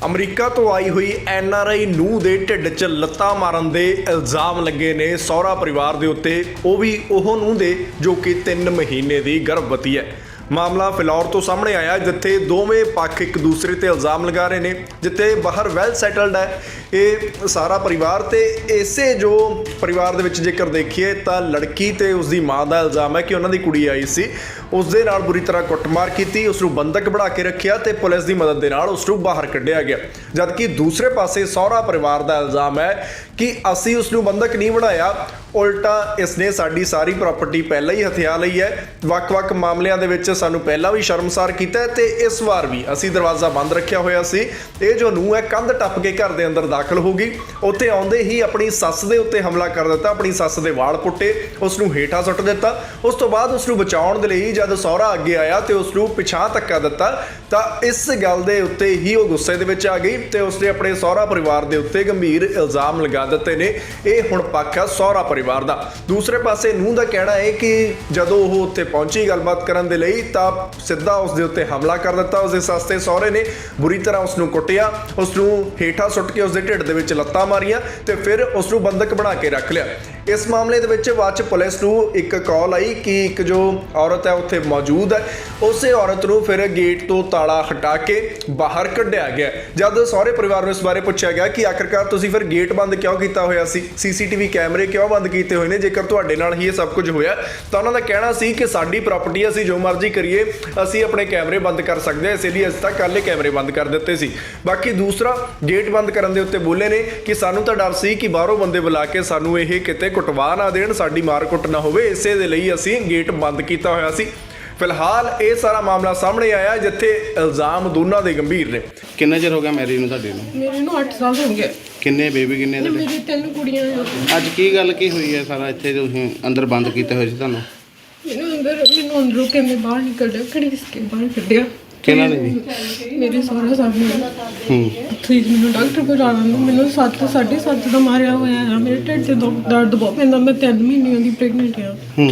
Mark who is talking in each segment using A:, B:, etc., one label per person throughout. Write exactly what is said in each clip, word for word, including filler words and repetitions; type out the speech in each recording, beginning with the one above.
A: America ਤੋਂ ਆਈ ਹੋਈ N R I ਨੂੰਹ ਦੇ ਢਿੱਡ 'ਚ ਲੱਤਾਂ ਮਾਰਨ ਦੇ ਇਲਜ਼ਾਮ ਲੱਗੇ ਨੇ ਸਹੁਰਾ ਪਰਿਵਾਰ ਦੇ ਉੱਤੇ, ਉਹ ਵੀ ਉਹ ਨੂੰਹ ਦੇ ਜੋ ਕਿ ਤਿੰਨ ਮਹੀਨੇ ਦੀ ਗਰਭਵਤੀ ਹੈ। ਮਾਮਲਾ ਫਿਲੌਰ ਤੋਂ ਸਾਹਮਣੇ ਆਇਆ ਜਿੱਥੇ ਦੋਵੇਂ ਪੱਖ ਇੱਕ ਦੂਸਰੇ ਤੇ ਇਲਜ਼ਾਮ ਲਗਾ ਰਹੇ ਨੇ। ਜਿੱਥੇ ਬਾਹਰ ਵੈਲ ਸੈਟਲਡ ਹੈ ਇਹ ਸਾਰਾ ਪਰਿਵਾਰ, ਤੇ ਇਸੇ ਜੋ ਪਰਿਵਾਰ ਦੇ ਵਿੱਚ ਜੇਕਰ ਦੇਖੀਏ ਤਾਂ ਲੜਕੀ ਤੇ ਉਸ ਦੀ ਮਾਂ ਦਾ ਇਲਜ਼ਾਮ ਹੈ ਕਿ ਉਹਨਾਂ ਦੀ ਕੁੜੀ ਆਈ ਸੀ, ਉਸ ਦੇ ਨਾਲ ਬੁਰੀ ਤਰ੍ਹਾਂ ਕੁੱਟਮਾਰ ਕੀਤੀ, ਉਸ ਨੂੰ ਬੰਦਕ ਬਣਾ ਕੇ ਰੱਖਿਆ ਤੇ ਪੁਲਿਸ ਦੀ ਮਦਦ ਦੇ ਨਾਲ ਉਸ ਨੂੰ ਬਾਹਰ ਕੱਢਿਆ ਗਿਆ। ਜਦਕਿ ਦੂਸਰੇ ਪਾਸੇ ਸਹੁਰਾ ਪਰਿਵਾਰ ਦਾ ਇਲਜ਼ਾਮ ਹੈ ਕਿ ਅਸੀਂ ਉਸ ਨੂੰ ਬੰਦਕ ਨਹੀਂ ਬਣਾਇਆ, ਉਲਟਾ ਇਸਨੇ ਸਾਡੀ ਸਾਰੀ ਪ੍ਰਾਪਰਟੀ ਪਹਿਲਾਂ ਹੀ ਹਥਿਆ ਲਈ ਹੈ। ਵੱਖ-ਵੱਖ ਮਾਮਲਿਆਂ ਦੇ ਵਿੱਚ ਸਾਨੂੰ ਪਹਿਲਾਂ ਵੀ ਸ਼ਰਮਸਾਰ ਕੀਤਾ ਹੈ ਤੇ ਇਸ ਵਾਰ ਵੀ ਅਸੀਂ ਦਰਵਾਜ਼ਾ ਬੰਦ ਰੱਖਿਆ ਹੋਇਆ ਸੀ। ਇਹ ਜੋ ਨੂੰਹ ਹੈ ਕੰਧ ਟੱਪ ਕੇ ਘਰ ਦੇ ਅੰਦਰ ਦਾਖਲ ਹੋ ਗਈ, ਉੱਥੇ ਆਉਂਦੇ ਹੀ ਆਪਣੀ ਸੱਸ ਦੇ ਉੱਤੇ ਹਮਲਾ ਕਰ ਦਿੱਤਾ, ਆਪਣੀ ਸੱਸ ਦੇ ਵਾਲ ਪੁੱਟੇ, ਉਸ ਨੂੰ ਹੇਠਾਂ ਸੁੱਟ ਦਿੱਤਾ। ਉਸ ਤੋਂ ਬਾਅਦ ਉਸ ਨੂੰ ਬਚਾਉਣ ਦੇ ਲਈ ਜਦ ਸਹੁਰਾ ਅੱਗੇ ਆਇਆ ਤੇ ਉਸ ਨੂੰ ਪਿਛਾਂਹ ਧੱਕਾ ਦਿੱਤਾ ਤਾਂ ਇਸ ਗੱਲ ਦੇ ਉੱਤੇ ਹੀ ਉਹ ਗੁੱਸੇ ਦੇ ਵਿੱਚ ਆ ਗਈ ਤੇ ਉਸਨੇ ਆਪਣੇ ਸਹੁਰਾ ਪਰਿਵਾਰ ਦੇ ਉੱਤੇ ਗੰਭੀਰ ਇਲਜ਼ਾਮ ਲਗਾ ਦਿੱਤੇ ਨੇ। ਇਹ ਹੁਣ ਪੱਖ ਹੈ ਸਹੁਰਾ ਪਰਿਵਾਰ ਦਾ। ਦੂਸਰੇ ਪਾਸੇ ਨੂੰਹ ਦਾ ਕਹਿਣਾ ਹੈ ਕਿ ਜਦੋਂ ਉਹ ਉੱਥੇ ਪਹੁੰਚੀ ਗੱਲਬਾਤ ਕਰਨ ਦੇ ਲਈ ਤਾਂ ਸਿੱਧਾ ਉਸ ਦੇ ਉੱਤੇ ਹਮਲਾ ਕਰ ਦਿੱਤਾ। ਉਸ ਦੇ ਸੱਸ ਤੇ ਸਹੁਰੇ ਨੇ ਬੁਰੀ ਤਰ੍ਹਾਂ ਉਸ ਨੂੰ ਕੁੱਟਿਆ, ਉਸ ਨੂੰ ਹੇਠਾਂ ਸੁੱਟ ਕੇ ਉਸ ਦੇ ਢਿੱਡ ਦੇ ਵਿੱਚ ਲੱਤਾਂ ਮਾਰੀਆਂ ਤੇ ਫਿਰ ਉਸ ਨੂੰ ਬੰਦਕ ਬਣਾ ਕੇ ਰੱਖ ਲਿਆ। ਇਸ ਮਾਮਲੇ ਦੇ ਵਿੱਚ ਬਾਅਦ 'ਚ ਪੁਲਿਸ ਨੂੰ ਇੱਕ ਕਾਲ ਆਈ ਕਿ ਇੱਕ ਜੋ ਔਰਤ ਹੈ ਉੱਥੇ ਮੌਜੂਦ ਹੈ, ਉਸੇ ਔਰਤ ਨੂੰ ਫਿਰ ਗੇਟ ਤੋਂ ਤਾਲਾ ਹਟਾ ਕੇ ਬਾਹਰ ਕੱਢਿਆ ਗਿਆ। ਜਦ ਸਹੁਰੇ ਪਰਿਵਾਰ ਨੂੰ ਇਸ ਬਾਰੇ ਪੁੱਛਿਆ ਗਿਆ ਕਿ ਆਖਿਰਕਾਰ ਤੁਸੀਂ ਫਿਰ ਗੇਟ ਬੰਦ ਕਿਉਂ ਕੀਤਾ ਹੋਇਆ ਸੀ, ਸੀ ਸੀ ਟੀ ਵੀ ਕੈਮਰੇ ਕਿਉਂ ਬੰਦ ਕੀਤੇ ਹੋਏ ਨੇ, ਜੇਕਰ ਤੁਹਾਡੇ ਨਾਲ ਹੀ ਇਹ ਸਭ ਕੁਝ ਹੋਇਆ, ਤਾਂ ਉਹਨਾਂ ਦਾ ਕਹਿਣਾ ਸੀ ਕਿ ਸਾਡੀ ਪ੍ਰਾਪਰਟੀ ਅਸੀਂ ਜੋ ਮਰਜ਼ੀ ਕਰੀਏ, ਅਸੀਂ ਆਪਣੇ ਕੈਮਰੇ ਬੰਦ ਕਰ ਸਕਦੇ ਹਾਂ, ਇਸ ਲਈ ਅਸੀਂ ਤਾਂ ਕੱਲ੍ਹ ਕੈਮਰੇ ਬੰਦ ਕਰ ਦਿੱਤੇ ਸੀ। ਬਾਕੀ ਦੂਸਰਾ ਗੇਟ ਬੰਦ ਕਰਨ ਦੇ ਉੱਤੇ ਬੋਲੇ ਨੇ ਕਿ ਸਾਨੂੰ ਤਾਂ ਡਰ ਸੀ ਕਿ ਬਾਹਰੋਂ ਬੰਦੇ ਬੁਲਾ ਕੇ ਸਾਨੂੰ ਇਹ ਕਿਤੇ ਕੁੱਟਵਾ ਨਾ ਦੇਣ, ਸਾਡੀ ਮਾਰ ਕੁੱਟ ਨਾ ਹੋਵੇ, ਇਸੇ ਦੇ ਲਈ ਅਸੀਂ ਗੇਟ ਬੰਦ ਕੀਤਾ ਹੋਇਆ ਸੀ। ਫਿਲਹਾਲ ਇਹ ਸਾਰਾ ਮਾਮਲਾ ਸਾਹਮਣੇ ਆਇਆ ਜਿੱਥੇ ਇਲਜ਼ਾਮ ਦੋਨਾਂ ਦੇ ਗੰਭੀਰ ਨੇ।
B: ਕਿੰਨਾ ਚਿਰ ਹੋ ਗਿਆ ਮੈਰਿਜ ਨੂੰ ਤੁਹਾਡੇ ਨੂੰ?
C: ਮੇਰੇ ਨੂੰ ਅੱਠ ਸਾਲ ਹੋ ਗਏ।
B: ਕਿੰਨੇ ਬੇਬੀ ਕਿੰਨੇ ਤੁਹਾਡੇ?
C: ਮੇਰੀ ਤਿੰਨ ਕੁੜੀਆਂ ਆ।
B: ਅੱਜ ਕੀ ਗੱਲ ਕੀ ਹੋਈ ਹੈ ਸਾਰਾ ਇੱਥੇ ਤੁਸੀਂ ਅੰਦਰ ਬੰਦ ਕੀਤੇ ਹੋਏ ਸੀ ਤੁਹਾਨੂੰ?
C: ਮੈਨੂੰ ਅੰਦਰ ਮੈਨੂੰ ਅੰਦਰੋਂ ਕਿਵੇਂ ਬਾਹਰ ਨਿਕਲਿਆ, ਘੜੀਸ ਕੇ ਬਾਹਰ ਕੱਢਿਆ।
B: ਕਿਹਨਾਂ ਨੇ ਜੀ?
C: ਮੇਰੇ ਸਹੁਰਾ ਸਾਹਿਬ ਨੇ।
B: ਹੂੰ
C: ਠੀਕ, ਮੈਨੂੰ ਡਾਕਟਰ ਕੋਲ ਜਾਣਾ ਨੂੰ ਮੈਨੂੰ ਸੱਤ ਸਾਢੇ ਸੱਤ ਦਾ ਮਾਰਿਆ ਹੋਇਆ ਆ। ਮੇਰੇ ਢਿੱਡ 'ਚ ਦੁੱਖ ਦਰਦ ਬਹੁਤ ਪੈਂਦਾ। ਮੈਂ ਤਿੰਨ ਮਹੀਨਿਆਂ ਦੀ ਪ੍ਰੈਗਨੈਂਟ ਆ।
B: ਹੂੰ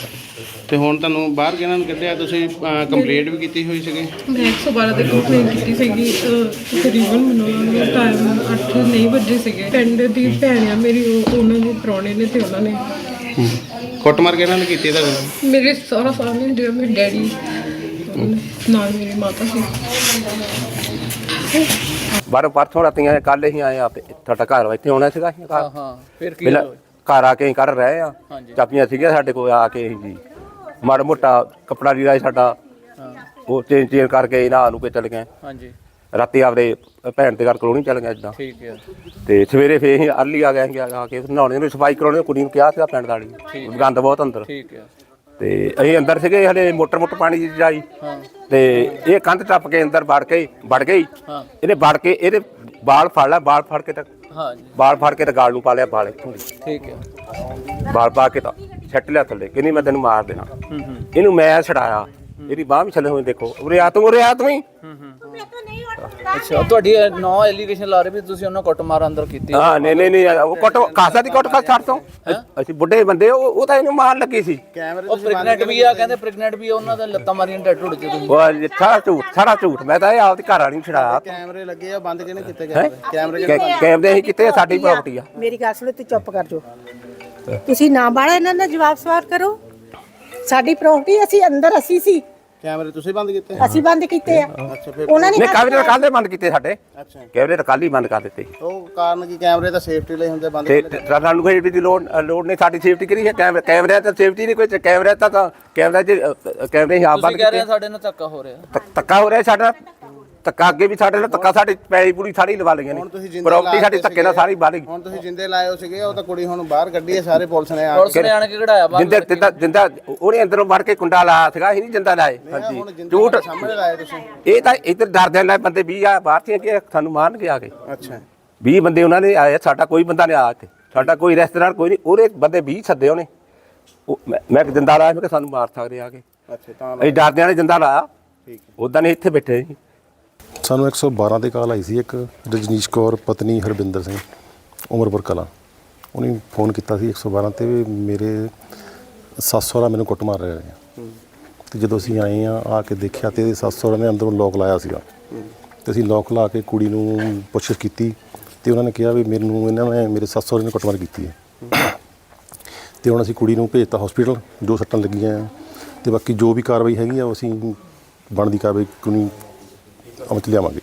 B: ਤੇ ਹੁਣ ਤੁਹਾਨੂੰ ਬਾਹਰ ਕਿਹਨਾਂ ਨੂੰ ਕੱਢਿਆ? ਤੁਸੀਂ ਕੰਪਲੇਂਟ ਵੀ ਕੀਤੀ ਹੋਈ ਸੀਗੀ?
C: ਮੈਂ ਇੱਕ ਸੌ ਬਾਰਾਂ ਤੇ ਕੰਪਲੇਂਟ ਕੀਤੀ ਸੀਗੀ। ਤਕਰੀਬਨ ਮੈਨੂੰ ਟਾਈਮ ਅੱਠ ਨਹੀਂ ਵੱਜੇ ਸੀਗੇ। ਪਿੰਡ ਦੀ ਭੈਣ ਆ ਮੇਰੀ, ਉਹ ਉਹਨਾਂ ਦੇ ਪ੍ਰਾਹੁਣੇ ਨੇ ਤੇ ਉਹਨਾਂ ਨੇ
B: ਕੁੱਟਮਾਰ ਕਿਹਨਾਂ ਨੇ ਕੀਤੀ ਤੁਹਾਨੂੰ?
C: ਮੇਰੇ ਸਹੁਰਾ ਸਾਹਿਬ ਨੇ, ਜਿਹੜਾ ਮੇਰੇ ਡੈਡੀ ਨਾਲ ਮੇਰੀ ਮਾਤਾ ਸੀ।
D: ਬਾਹਰੋਂ ਪਰਸੋਂ ਰਾਤੀਆਂ ਕੱਲ ਹੀ ਆਏ ਆ ਤੁਹਾਡਾ ਘਰ ਇੱਥੇ ਆਉਣਾ ਸੀਗਾ।
E: ਹਾਂ ਹਾਂ ਫਿਰ ਕੀ
D: ਪਹਿਲਾਂ ਘਰ ਆ ਕੇ ਅਸੀਂ ਕਰ ਰਹੇ ਆ, ਚਾਬੀਆਂ ਸੀਗੀਆਂ ਸਾਡੇ ਕੋਲ, ਆ ਕੇ ਜੀ ਮਾੜਾ ਮੋਟਾ ਕੱਪੜਾ ਲੀੜਾ ਸਾਡਾ ਉਹ ਚੇਂਜ ਚੇਂਜ ਕਰਕੇ ਇਹਨਾਂ ਨੂੰ ਕੇ ਚਲੇ ਗਏ।
E: ਹਾਂਜੀ
D: ਰਾਤੀ ਆਪਦੇ ਭੈਣ ਦੇ ਘਰ ਕਲੋਨੀ ਚੱਲ ਗਏ ਇੱਦਾਂ।
E: ਠੀਕ ਹੈ।
D: ਤੇ ਸਵੇਰੇ ਫੇਰ ਅਸੀਂ ਅਰਲੀ ਆ ਗਏ ਆ ਕੇ ਨਹਾਉਣੇ ਨੂੰ ਸਫਾਈ ਕਰਾਉਣੇ, ਕੁੜੀ ਨੂੰ ਕਿਹਾ ਸੀਗਾ ਪਿੰਡ ਵਾਲੀ, ਗੰਦ ਬਹੁਤ ਅੰਦਰ।
E: ਠੀਕ ਹੈ।
D: ਤੇ ਅਸੀਂ ਅੰਦਰ ਸੀਗੇ, ਹਲੇ ਮੋਟਰ ਮੋਟਰ ਪਾਣੀ ਦੀ ਜਾਈ ਤੇ ਇਹ ਕੰਧ ਟੱਪ ਕੇ ਅੰਦਰ ਵੜ ਕੇ ਵੜ ਗਈ। ਇਹਨੇ ਵੜ ਕੇ ਇਹਦੇ ਬਾਲ ਫੜ ਲਿਆ, ਬਾਲ ਫੜ ਕੇ ਤਾਂ
E: ਹਾਂ
D: ਬਾਲ ਫੜ ਕੇ ਤਾਂ ਗਾਲ ਨੂੰ ਪਾ ਲਿਆ, ਬਾਲ ਇੱਥੋਂ ਦੀ
E: ਠੀਕ ਹੈ।
D: ਬਾਲ ਪਾ ਕੇ ਤਾਂ ਛੱਟ ਲਿਆ ਥੱਲੇ, ਕਹਿੰਦੀ ਮੈਂ ਤੈਨੂੰ ਮਾਰ ਦੇਣਾ। ਇਹਨੂੰ ਮੈਂ ਛਡਾਇਆ, ਇਹਦੀ ਬਾਂਹ ਵੀ ਛੱਲੇ ਹੋਏ, ਦੇਖੋ ਉਰੇ ਆ ਤੂੰ, ਉਰੇ ਆ ਤੂੰ ਹੀ।
E: ਅੱਛਾ, ਤੁਹਾਡੀ ਨੌ ਐਲੀਗੇਸ਼ਨ ਲਾ ਰਹੇ ਵੀ ਤੁਸੀਂ ਉਹਨਾਂ ਕੁੱਟਮਾਰ ਅੰਦਰ ਕੀਤੀ?
D: ਹਾਂ ਨਹੀਂ ਨਹੀਂ ਨਹੀਂ ਉਹ ਕੁੱਟ ਕਾਸਾ ਦੀ ਕੁੱਟ ਖਾ ਛੱਡ ਤੋਂ, ਅਸੀਂ ਬੁੱਢੇ ਬੰਦੇ, ਉਹ ਉਹ ਤਾਂ ਇਹਨੂੰ ਮਾਰਨ ਲੱਗੀ ਸੀ।
E: ਉਹ ਪ੍ਰੈਗਨੈਂਟ ਵੀ ਆ, ਕਹਿੰਦੇ ਪ੍ਰੈਗਨੈਂਟ ਵੀ ਆ, ਉਹਨਾਂ ਦੇ ਲੱਤਾਂ ਮਾਰੀਆਂ ਢੱਡ ਢੁੱਡ ਚ ਤੁਸੀਂ।
D: ਉਹ ਸਾਰਾ ਝੂਠ, ਸਾਰਾ ਝੂਠ। ਮੈਂ ਤਾਂ ਇਹ ਆਪਦੀ ਘਰ ਵਾਲੀ ਨੂੰ ਛਡਾਇਆ।
B: ਕੈਮਰੇ ਲੱਗੇ ਆ, ਬੰਦ ਕਿਹਨੇ ਕੀਤੇ ਗਏ? ਕੈਮਰੇ
D: ਕੈਮਰੇ ਅਸੀਂ ਕਿਤੇ, ਸਾਡੀ ਪ੍ਰਾਪਰਟੀ ਆ।
F: ਮੇਰੀ ਗੱਲ ਸੁਣੋ, ਤੂੰ ਚੁੱਪ ਕਰ ਜੋ। ਤੁਸੀਂ ਨਾ ਬਾੜਾ ਇਹਨਾਂ ਦਾ ਜਵਾਬ ਸਵਾਲ ਕਰੋ। ਸਾਡੀ ਪ੍ਰਾਪਰਟੀ, ਅਸੀਂ ਅੰਦਰ ਅਸੀਂ ਸੀ।
B: ਕੈਮਰੇ ਤੁਸੀਂ ਬੰਦ ਕੀਤੇ?
F: ਅਸੀਂ ਬੰਦ ਕੀਤੇ ਆ। ਉਹਨਾਂ ਨੇ
D: ਨਹੀਂ ਕੈਮਰੇ ਤਾਂ ਕੱਲ੍ਹ ਦੇ ਬੰਦ ਕੀਤੇ ਸਾਡੇ।
B: ਅੱਛਾ,
D: ਕੈਮਰੇ ਤਾਂ ਕੱਲ੍ਹ ਹੀ ਬੰਦ ਕਰ ਦਿੱਤੇ।
B: ਉਹ ਕਾਰਨ ਕੀ? ਕੈਮਰੇ ਤਾਂ ਸੇਫਟੀ ਲਈ ਹੁੰਦੇ, ਬੰਦ
D: ਤੇ ਸਾਨੂੰ ਕੋਈ ਸੇਫਟੀ ਦੀ ਲੋੜ ਲੋੜ ਨਹੀਂ, ਸਾਡੀ ਸੇਫਟੀ ਕਰੀ ਹੈ। ਕੈਮਰੇ ਕੈਮਰਿਆਂ ਤਾਂ ਸੇਫਟੀ ਨਹੀਂ ਕੋਈ, ਕੈਮਰੇ ਤਾਂ ਕੈਮਰਾ 'ਚ ਕੈਮਰੇ ਆਪ ਬੰਦ
E: ਤੁਸੀਂ ਕਹਿ ਰਹੇ
D: ਕੀਤੇ।
E: ਸਾਡੇ ਨਾਲ ਧੱਕਾ ਹੋ ਰਿਹਾ।
D: ਧੱਕਾ ਹੋ ਰਿਹਾ ਸਾਡਾ, ਧੱਕਾ ਅੱਗੇ ਵੀ ਸਾਡੇ ਨਾਲ ਧੱਕਾ, ਸਾਡੀ ਪੈਲੀ ਪੂਰੀ ਸਾਰੀ ਲਵਾ ਲਈਆਂ ਨੇ, ਪ੍ਰਾਪਰਟੀ ਸਾਡੀ ਧੱਕੇ ਨਾਲ ਸਾਰੀ ਬਾਲੀ।
B: ਹੁਣ ਤੁਸੀਂ ਜਿੰਦੇ ਲਾਏ ਹੋ ਸੀਗੇ, ਉਹ ਤਾਂ ਕੁੜੀ ਹੁਣ ਬਾਹਰ ਕੱਢੀ ਹੈ, ਸਾਰੇ ਪੁਲਿਸ ਨੇ ਆ
E: ਪੁਲਿਸ ਨੇ ਆਣ ਕੇ ਕਢਾਇਆ ਬਾਹਰ।
D: ਜਿੰਦਾ ਜਿੰਦਾ ਜਿੰਦਾ ਉਹਨੇ ਅੰਦਰੋਂ ਵੜ ਕੇ ਕੁੰਡਾ ਲਾਇਆ ਸੀਗਾ, ਅਸੀਂ ਨਹੀਂ ਜਿੰਦਾ ਲਾਏ। ਹਾਂਜੀ ਝੂਠ
B: ਸਾਹਮਣੇ ਲਾਏ ਤੁਸੀਂ।
D: ਇਹ ਤਾਂ ਇੱਧਰ ਡਰਦੇ ਨਾਲ ਬੰਦੇ ਵੀਹ ਆ ਬਾਹਰ ਸੀ ਕਿ ਸਾਨੂੰ ਮਾਰਨਗੇ ਆ ਕੇ।
B: ਅੱਛਾ,
D: ਵੀਹ ਬੰਦੇ ਉਹਨਾਂ ਨੇ ਆਏ, ਸਾਡਾ ਕੋਈ ਬੰਦਾ ਨਹੀਂ ਆਇਆ ਇੱਥੇ, ਸਾਡਾ ਕੋਈ ਰਿਸ਼ਤੇਦਾਰ ਕੋਈ ਨਹੀਂ। ਉਹਦੇ ਬੰਦੇ ਵੀਹ ਸੱਦੇ ਉਹਨੇ, ਮੈਂ ਇੱਕ ਜਿੰਦਾ ਲਾਇਆ, ਮੈਂ ਕਿਹਾ ਸਾਨੂੰ ਮਾਰ ਸਕਦੇ ਆ ਕੇ।
B: ਅੱਛਾ, ਤਾਂ
D: ਅਸੀਂ ਡਰਦਿਆਂ ਨੇ ਜਿੰਦਾ ਲਾਇਆ।
B: ਠੀਕ ਹੈ।
D: ਉੱਦਾਂ ਨਹੀਂ ਇੱਥੇ ਬੈਠੇ ਸੀ।
G: ਸਾਨੂੰ ਇੱਕ ਸੌ ਬਾਰਾਂ 'ਤੇ ਕਾਲ ਆਈ ਸੀ। ਇੱਕ ਰਜਨੀਸ਼ ਕੌਰ ਪਤਨੀ ਹਰਬਿੰਦਰ ਸਿੰਘ, ਉਮਰਪੁਰ ਕਲਾਂ, ਉਹਨੇ ਫੋਨ ਕੀਤਾ ਸੀ ਇੱਕ ਸੌ ਬਾਰਾਂ 'ਤੇ ਵੀ ਮੇਰੇ ਸੱਸ ਸਹੁਰਾ ਮੈਨੂੰ ਕੁੱਟ ਮਾਰ ਰਹੇ ਆ। ਅਤੇ ਜਦੋਂ ਅਸੀਂ ਆਏ ਹਾਂ, ਆ ਕੇ ਦੇਖਿਆ ਤਾਂ ਇਹਦੇ ਸੱਸ ਸਹੁਰਾ ਨੇ ਅੰਦਰੋਂ ਲੋਕ ਲਾਇਆ ਸੀਗਾ ਤੇ ਅਸੀਂ ਲੋਕ ਲਾ ਕੇ ਕੁੜੀ ਨੂੰ ਪੁੱਛਗਿੱਛ ਕੀਤੀ ਤੇ ਉਹਨਾਂ ਨੇ ਕਿਹਾ ਵੀ ਮੈਨੂੰ ਇਹਨਾਂ ਨੇ ਮੇਰੇ ਸੱਸ ਸਹੁਰੇ ਨੇ ਕੁੱਟਮਾਰ ਕੀਤੀ ਹੈ ਤੇ ਹੁਣ ਅਸੀਂ ਕੁੜੀ ਨੂੰ ਭੇਜਤਾ ਹਸਪੀਟਲ, ਜੋ ਸੱਟਾਂ ਲੱਗੀਆਂ ਆ ਤੇ ਬਾਕੀ ਜੋ ਵੀ ਕਾਰਵਾਈ ਹੈਗੀ ਆ ਉਹ ਅਸੀਂ ਬਣਦੀ ਕਾਰਵਾਈ ਕਾਨੂੰਨੀ ਅਮਲ 'ਚ ਲਿਆਵਾਂਗੇ।